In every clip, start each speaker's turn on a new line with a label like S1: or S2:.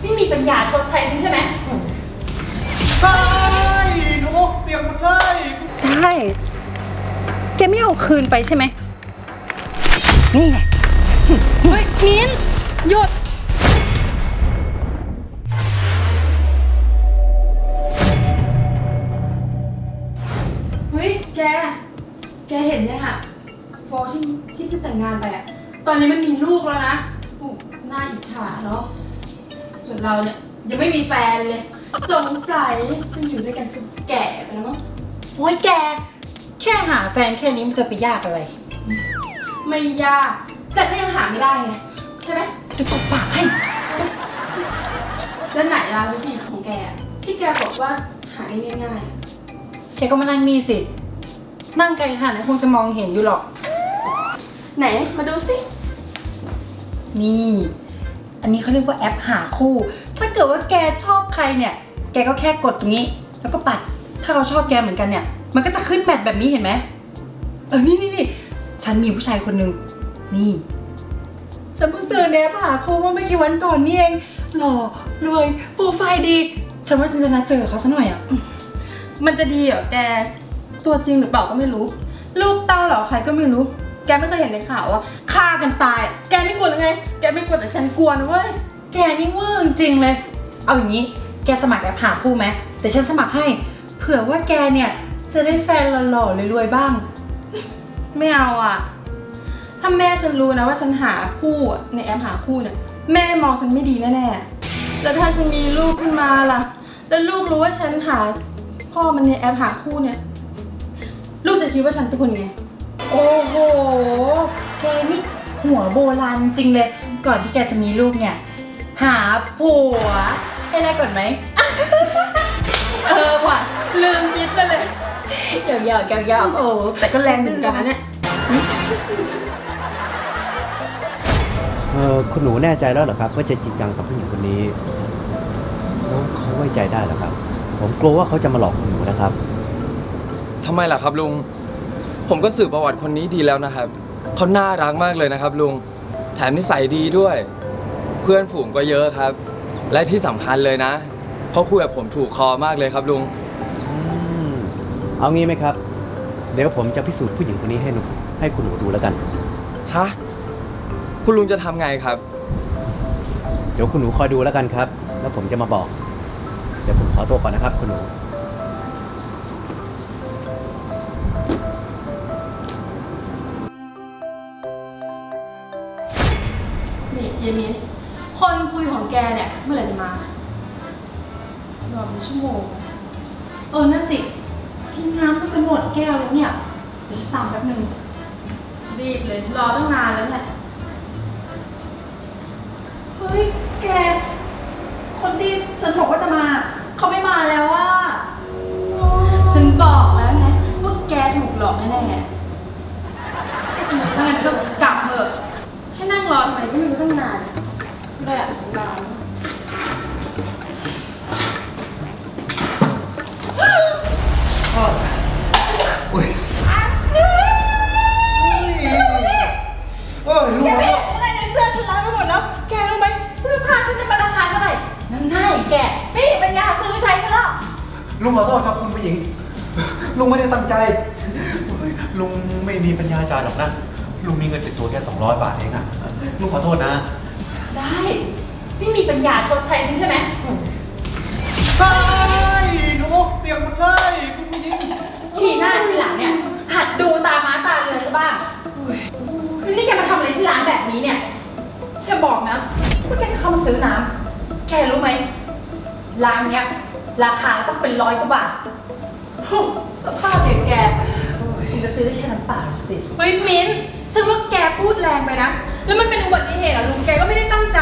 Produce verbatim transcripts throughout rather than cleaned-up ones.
S1: ไม่มีปัญญาชดใช้ฉันใช่ไหม
S2: ใช่หนูเปียกหมดเลย
S1: ได้แกไม่เอาคืนไปใช่ไหมนี่ไง
S3: เฮ้ยมิ้นหยุดเฮ้ยแกแกเห็นยังอะฟอที่ที่เพิ่งแต่งงานไปอะตอนนี้มันมีลูกแล้วนะโอ้น่าอิจฉาเนาะส่วนเราเนี่ยยังไม่มีแฟนเลยสงสัยจะอยู่ด้วยกันจนแก่ไปแล้วมั้ง
S1: โอ้ยแกแค่หาแฟนแค่นี้มันจะไปยากอะไร
S3: ไม่ยากแต่ก็ยังหาไม่ได้ไงใช่ไหม
S1: จะตบปากให้
S3: แล้วไหนล่ะวิธีของแกที่แกบอกว่าหาได้ง่าย
S1: ๆแกก็มานั่งนี่สินั่งไกลขนาดนั้นคงจะมองเห็นอยู่หรอก
S3: ไหนมาดูสิ
S1: นี่อันนี้เขาเรียกว่าแอปหาคู่ถ้าเกิดว่าแกชอบใครเนี่ยแกก็แค่กดตรงนี้แล้วก็ปัดถ้าเราชอบแกเหมือนกันเนี่ยมันก็จะขึ้นแมทแบบนี้เห็นไหมเออนี่นี่นี่ฉันมีผู้ชายคนหนึ่งนี่ฉันเพิ่งเจอในแอปหาคู่เมื่อไม่กี่วันก่อนนี่เองหล่อรวยโปรไฟล์ดีฉันว่าฉันจะนัดเจอเขาซะหน่อยอ่ะ
S3: มันจะดีเหรอแกตัวจริงหรือเปล่าก็ไม่รู้ลูกเต้าเหรอใครก็ไม่รู้แกไม่เคยเห็นในข่าวว่าฆ่ากันตายแกไม่กลัวหรือไงแกไม่กลัวแต่ฉันกลัวนะเว้ย
S1: แกนี่เวอร์จริงเลยเอาอย่างนี้แกสมัครแอปหาคู่ไหมแต่ฉันสมัครให้เผื่อว่าแกเนี่ยจะได้แฟนหล่อๆรวยๆบ้าง
S3: ไม่เอาอ่ะถ้าแม่ฉันรู้นะว่าฉันหาคู่ในแอปหาคู่เนี่ยแม่มองฉันไม่ดีแน่ๆแล้วถ้าฉันมีลูกขึ้นมาล่ะแล้วลูกรู้ว่าฉันหาพ่อมันในแอปหาคู่เนี่ยลูกจะคิดว่าฉันเป็นคนยังไง
S1: โอ้โหแกนี่หัวโบราณจริงเลยก่อนที่แกจะมีลูกเนี่ยหาผัวให้ได้ก่อนไหม
S3: เออว่ะลืมคิดไปเลย
S1: หยอกหยอกหยอกหยอกโอ้
S3: แต่ก็แรงเหมือนกันนะเนี่ย
S2: เออคุณหนูแน่ใจแล้วเหรอครับว่าจะจริงจังกับผู้หญิงคนนี้แล้วเขาไว้ใจได้เหรอครับผมกลัวว่าเขาจะมาหลอกคุณหนูนะครับ
S4: ทำไมล่ะครับลุงผมก็สืบประวัติคนนี้ดีแล้วนะครับเขาน่ารักมากเลยนะครับลุงแถมนิสัยดีด้วยเพื่อนฝูงก็เยอะครับและที่สำคัญเลยนะเขาคุยกับผมถูกคอมากเลยครับลุง
S2: เอางี้ไหมครับเดี๋ยวผมจะพิสูจน์ผู้หญิงคนนี้ให้หนูให้คุณหนูดูแล้วกัน
S4: ฮะคุณลุงจะทำไงครับ
S2: เดี๋ยวคุณหนูคอยดูแล้วกันครับแล้วผมจะมาบอกเดี๋ยวผมขอตัวก่อนนะครับคุณหนู
S3: นี่เยมินคนคุยของแกเนี่ยเมื่อไหร่จะมารอเป็นชั่วโมง
S1: เออนั่นสิที่น้ำก็จะหมดแก้วแล้วเนี่ยเดี๋ยวฉันตามแป๊บนึง
S3: รีบเลยรอตั้งนานแล้วเนี่ย
S1: เฮ้ยแกคนที่ฉันบอกว่าจะมาเขาไม่มาแล้วว่า
S3: ฉันบอกแล้วไงว่าแกถูกหลอกแน่ๆถ้างั้นก็กลับเถอะให้นั่งรอทำไมก็ไม่รู้ตั้งนานแบบนาน
S2: อุ้ยโอ้ยลูก
S1: แกไม่เห็นอะไรในเสื้อฉันล้างไปหมดแล้วแกรู้ไหมเสื้อผ้าฉันจะเป็นราคาเท่าไหร่นั่นน่าแกไม่มีปัญญาซื้อใช้ฉันหรอก
S2: ลุงขอโทษครับคุณผู้หญิงลุงไม่ได้ตั้งใจลุงไม่มีปัญญาจ่ายหรอกนะลุงมีเงินติดตัวแค่สองร้อยบาทเองอะลุงขอโทษนะ
S1: ได้ไม่มีปัญญาชดใช้ฉันใช่ไหม
S2: ใช่หนูเปียกหมดเลยคุณผู้หญิง
S1: ทีหน้าทีหลังเนี่ยหัดดูตาม้าตาเรือซะบ้างนี่แกมาทำอะไรที่ร้านแบบนี้เนี่ยแกบอกนะว่าแกจะเข้ามาซื้อน้ำแกรู้ไหมร้านเนี้ยราคาต้องเป็นร้อยกว่าบาทสภาพอย่างแกคุณจะซื้อได้แค่น้ำเปล่าสิ
S3: เฮ้ยมิ้นฉันว่าแกพูดแรงไปนะแล้วมันเป็นอุบัติเหตุเหรอลุงแกก็ไม่ได้ตั้งใจ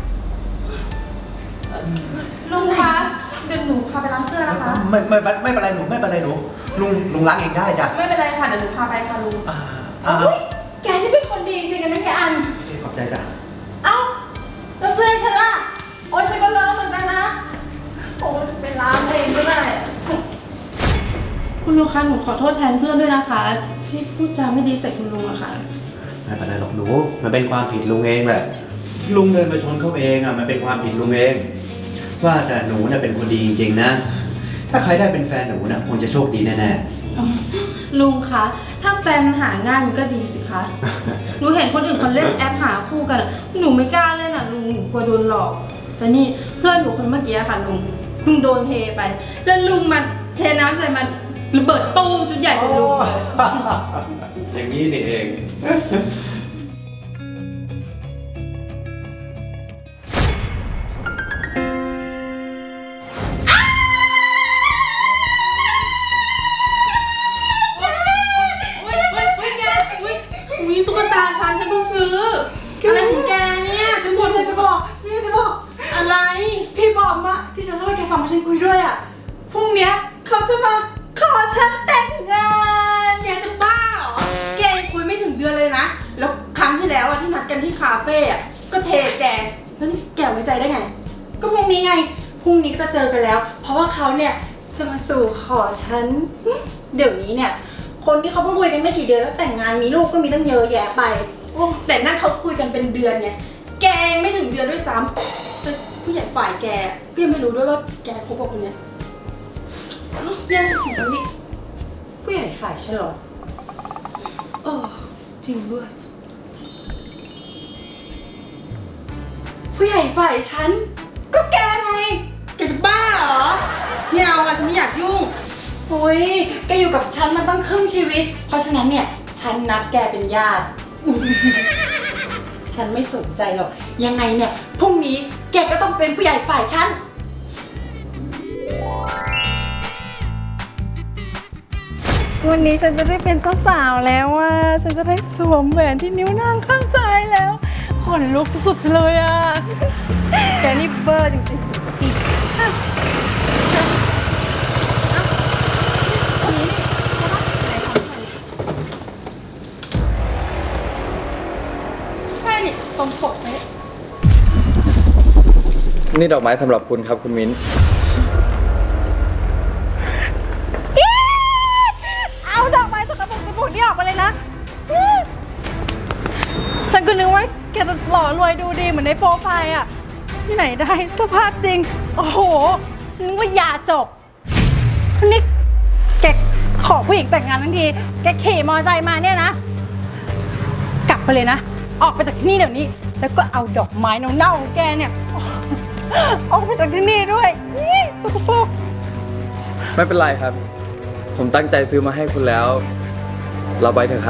S3: ลุงคะเดี๋ยวหนูพาไปล้างเสื้อนะคะ
S2: ไม่ไม่ไม่เป็นไรหนูไม่เป็นไรหนูลุงลุงล้างเองได้จ้ะ
S3: ไม่เป็นไรค่ะเดี๋ยวหนูพาไปค่ะลุง
S2: อ่า
S1: อุ้ยแกนี่เป็นคนดีจริงๆนะแกอัน
S2: ขอบใจจ้ะ
S1: เอ้าแล้วเสื้อฉันล่ะโอ๊ยฉันก็ล้างเหมือนกันนะโอ้ไปล้างเองก็ได้
S3: คุณลุงคะหนูขอโทษแทนเพื่อนด้วยนะคะที่พูดจาไม่ดีใส่คุณลุงอะค่ะ
S2: ไม่เป็นไรหรอกหนูมันเป็นความผิดลุงเองแหละลุงเดินมาชนเขาเองอะมันเป็นความผิดลุงเองว่าแต่หนูเนี่ยเป็นคนดีจริงๆนะ ถ้าใครได้เป็นแฟนหนูนะคงจะโชคดีแน่
S3: ลุงคะ ถ้าแฟนมันหาง่ายมันก็ดีสิคะ หนูเห็นคนอื่นเขาเล่นแอปหาคู่กันอะหนูไม่กล้าเล่นอ่ะลุง หนูกลัวโดนหลอก แต่นี่เพื่อนหนูคนเมื่อกี้อะค่ะลุง เพิ่งโดนเทไป แล้วลุงมันเทน้ำใส่มันระเบิดตู้มชุดใหญ่
S2: ๆ
S3: ใส่ลุงเลย
S2: อย่างนี้นี่เอง
S3: อุ้ยอุ้ยอุ้ยแกอุ้ยอุ้ยตุ๊กตาฉันฉันเพิ่งซื้อ อะไรของแกเนี่ย ฉัน
S1: พี่
S3: บ่น
S1: จะบอกพี่จะบอก
S3: อะไร
S1: พี่บอมอะที่ฉันเล่าให้แกฟังว่าฉันคุยด้วยอะพรุ่งเนี้ยเขาจะมาขอฉันแต่งงาน
S3: แกจะบ้าเหรอ แกยังคุยไม่ถึงเดือนเลยนะ แล้วครั้งที่แล้วอะที่นัดกันที่คาเฟ่อะก็เทแก แล้วนี่แกไว้ใจได้ไง
S1: ก็พรุ่งนี้ไงพรุ่งนี้ก็จะเจอกันแล้ว เพราะว่าเขาเนี่ยจะมาสู่ขอฉัน เดี๋ยวนี้เนี่ยคนที่เขาเพิ่งคุยกันไม่กี่เดือนแล้วแต่งงานมีลูกก็มีตั้งเยอะแยะไป
S3: โอ้แต่นั่นเขาคุยกันเป็นเดือนไง แกยังไม่ถึงเดือนด้วยซ้ำแต่ผู้ใหญ่ฝ่ายแกก็ยังไม่รู้ด้วยว่าแกคบกับคนเนี้ยยังถึงตรงนี้
S1: ผู้ใหญ่ฝ่ายฉันเหรอเออจริงด้วย ผู้ใหญ่ฝ่ายฉัน ก็แกไง
S3: แกจะบ้าเหรอไม่เอาอะฉันไม่อยากยุ่ง
S1: โอ้ยแกอยู่กับฉันมาตั้งครึ่งชีวิต เพราะฉะนั้นเนี่ย ฉันนัดแกเป็นญาติ ฉันไม่สนใจหรอก ยังไงเนี่ย พรุ่งนี้แกก็ต้องเป็นผู้ใหญ่ฝ่ายฉัน วันนี้ฉันจะได้เป็นเจ้าสาวแล้วอ่ะ ฉันจะได้สวมแหวนที่นิ้วนางข้างซ้ายแล้วขนลุกสุดๆเลยอ่ะ
S3: แกนี่เบอร์จริงๆ
S1: ใช่นี่ตรงปกไหม
S4: นี่ดอกไม้สำหรับคุณครับคุณมิ้น
S1: เอาดอกไม้สกปรกสบู่นี่ออกมาเลยนะ ฉันก็นึกว่าแกจะหล่อรวยดูดีเหมือนในโปรไฟล์อะที่ไหนได้สภาพจริง โอ้โห ฉันนึกว่ายาจบนี่แกขอผู้หญิงแต่งงานทั้งที แกขี่มอเตอร์ไซค์มาเนี่ยนะ กลับไปเลยนะ ออกไปจากที่นี่เดี๋ยวนี้ แล้วก็เอาดอกไม้เน่าๆของแกเนี่ย ออกไปจากที่นี่ด้วยนี่สกปรก
S4: ไม่เป็นไรครับ ผมตั้งใจซื้อมาให้คุณแล้ว เราไปเถอะครับ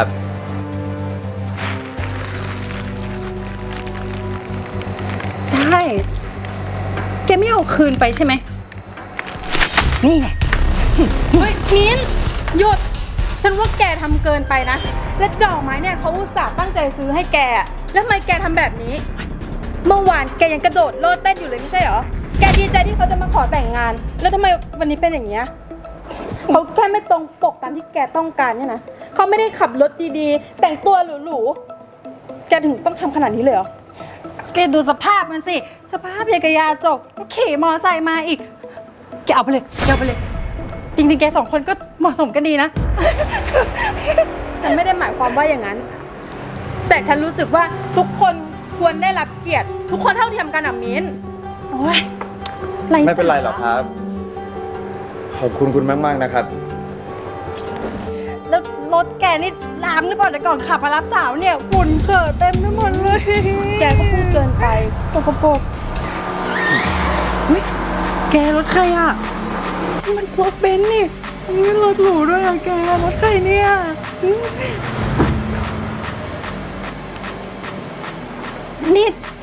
S1: ได้ แกไม่เอาคืนไปใช่ไหม นี่ไง
S3: เฮ้ยมิ้นหยุด ฉันว่าแกทำเกินไปนะ และดอกไม้เนี่ยเขาอุตส่าห์ตั้งใจซื้อให้แกอะแล้วทำไมแกทำแบบนี้ เมื่อวานแกยังกระโดดโลดเต้นอยู่เลยไม่ใช่เหรอ แกดีใจที่เขาจะมาขอแต่งงาน แล้วทำไมวันนี้เป็นอย่างเงี้ยเขาแค่ไม่ตรงปกตามที่แกต้องการเนี่ยนะเขาไม่ได้ขับรถดีๆ แต่งตัวหรูๆ แกถึงต้องทำขนาดนี้เลยเหรอ
S1: แกดูสภาพมันสิ สภาพอย่างกับยาจกก็ขี่มอไซค์มาอีก แกเอาไปเลยแกเอาไปเลย จริงๆ แกสองคนก็เหมาะสมกันดีนะ
S3: ฉันไม่ได้หมายความว่าอย่างนั้น แต่ฉันรู้สึกว่าทุกคนควรได้รับเกียรติ ทุกคนเท่าเทียมกันอ่ะมิ้น
S1: โอ้ย
S4: ไม่เป็นไรหรอกครับ ขอบคุณคุณมากๆนะครับ
S1: แล้วรถแกนี่ล้างหรือเปล่าแต่ก่อนขับมารับสาวเนี่ยฝุ่นเกิดเต็มไปหมดเลย
S3: แกก็พูดเกินไป
S1: ปกปกเฮ้ย แกรถใครอ่ะนี่มันรถเบนซ์นี่นี่รถหรูด้วยอ่ะแกรถใครเนี่ยอืมนี่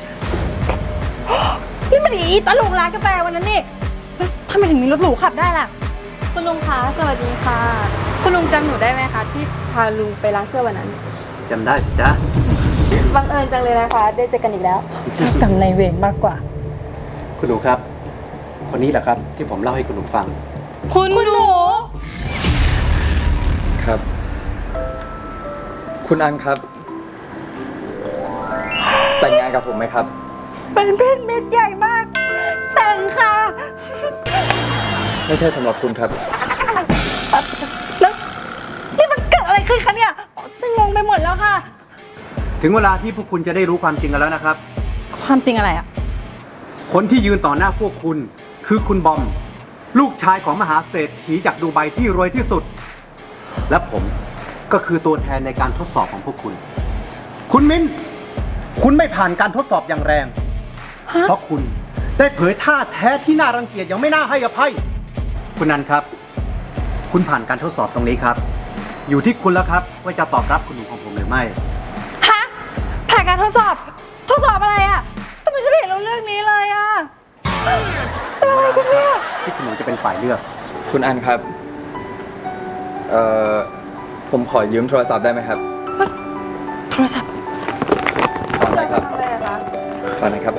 S1: นี่มันอีตาลุงร้านกาแฟวันนั้นนี่แล้วทำไมถึงมีรถหรูขับได้ล่ะ
S3: คุณลุงคะ สวัสดีค่ะ คุณลุงจำหนูได้ไหมคะที่พาลุงไปร้านเสื้อวันนั้น
S2: จำได้สิจ๊ะ
S3: บังเอิญจังเลยนะคะ ได้เจอกันอีกแล้ว
S1: เจ้ากรรมนายเวรมากกว่า
S2: คุณหนูครับ คนนี้แหละครับที่ผมเล่าให้คุณหนูฟัง
S3: คุณหนู
S4: ครับ คุณอันครับ แต่งงานกับผมไหมครับ
S1: เป็นเพชรเม็ดใหญ่มาก แต่งค่ะ
S4: ไม่ใช่สำหรับคุณครับ
S1: แล้วนี่มันเกิดอะไรขึ้นคะเนี่ยจะงงไปหมดแล้วค่ะ
S2: ถึงเวลาที่พวกคุณจะได้รู้ความจริงกันแล้วนะครับ
S1: ความจริงอะไรอ่ะ
S2: คคนที่ยืนต่อหน้าพวกคุณ คือคุณบอม ลูกชายของมหาเศรษฐีจากดูไบที่รวยที่สุด และผมก็คือตัวแทนในการทดสอบของพวกคุณ คุณมิ้น คุณไม่ผ่านการทดสอบอย่างแรง เพราะคุณได้เผยท่าแท้ที่น่ารังเกียจอย่างไม่น่าให้อภัย คุณนันครับ คุณผ่านการทดสอบตรงนี้ครับ อยู่ที่คุณแล้วครับว่าจะตอบรับคุณหนูของผมหรือไม่
S1: ฮะ ผ่านการทดสอบ ทดสอบอะไรอะทำไมฉันไม่เห็นรู้เรื่องนี้เลยอะเป็นอะไรกันเนี่ย
S2: ที่คุณหนูจะเป็นฝ่ายเลือก
S4: คุณอันครับ เอ่อ ผมขอยืมโทรศัพท์ได้ไหมครับ
S1: โทรศัพท์
S4: ขอหน่อยครับ
S3: ทำอะไรอะคะ
S4: ขอหน่อยครับ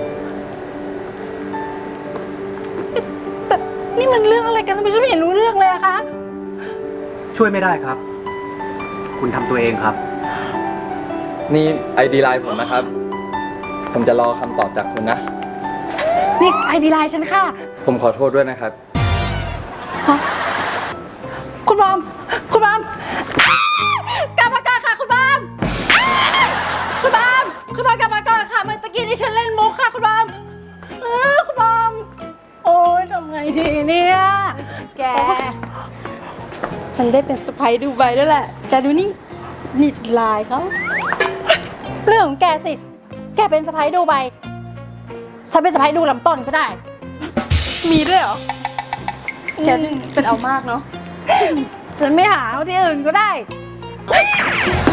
S1: แต่นี่มันเรื่องอะไรกันทำไมฉันไม่เห็นรู้เรื่องเลยอะคะ
S2: ช่วยไม่ได้ครับ คุณทำตัวเองครับ
S4: นี่ไอดีไลน์ผมนะครับ ผมจะรอคำตอบจากคุณนะ
S1: นี่ไอดีไลน์ฉันค่ะ
S4: ผมขอโทษด้วยนะครับ
S1: ฮะคุณบอม คุณบอมกลับมาก่อนค่ะคุณบอมคุณบอมคุณบอมกลับมาก่อนค่ะเมื่อตะกี้นี่ฉันเล่นมุกค่ะคุณบอมเออคุณบอม โอ๊ยทำไงดีเนี่ย
S3: แก ฉันได้เป็นสไปดูไบด้วยแหละ แกดูนี่ นี่ลายเขา
S1: เรื่องของแกสิ แกเป็นสะพ้ายดูใบ ฉันเป็นสะพ้ายดูลำต้นก็ได้
S3: มีด้วยเหรอ แกนี่เป็นเอามากเนาะ
S1: ฉันไม่หาเอาที่อื่นก็ได้
S3: แ